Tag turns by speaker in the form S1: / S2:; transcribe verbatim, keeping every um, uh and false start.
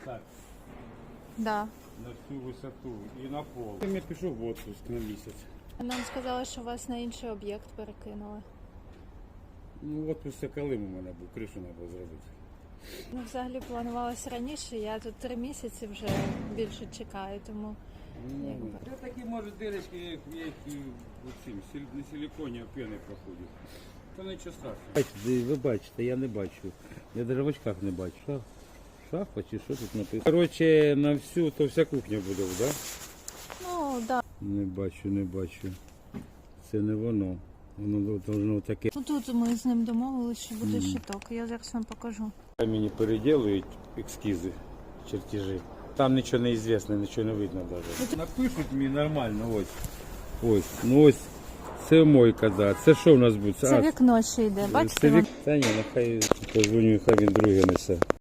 S1: Так,
S2: Да.
S1: на всю висоту і на пол. Я пішов в отпуск на місяць.
S2: Нам сказали, що вас на інший об'єкт перекинули.
S1: Ну, отпуск це Калим у мене був, кришу треба було зробити.
S2: Ну, взагалі планувалося раніше, я тут три місяці вже більше чекаю, тому якби.
S1: Це такі, може, дирочки, як, як і оцім, сіль- не силіконі, а пени проходять. Та нічого страшного. Бачите, ви бачите, я не бачу. Я навіть в очках не бачу. Шах, шахпа чи що тут написано? Коротше, на всю, то вся кухня буде, так? Да?
S2: Ну, да.
S1: Не бачу, не бачу. Це не воно. Воно должно таке.
S2: Ну, тут ми з ним домовилися, що буде щиток. Я зараз вам покажу.
S1: Мені переділують ескізи, чертежі. Там нічого не звісно, нічого не видно навіть. Напишуть мені нормально, ось. Ось, ну ось. Це мойка, да. Це що в нас буде?
S2: Це вікно ще йде, бачите?
S1: Це вік... Та ні, нехай позвоню, хай він друге несе.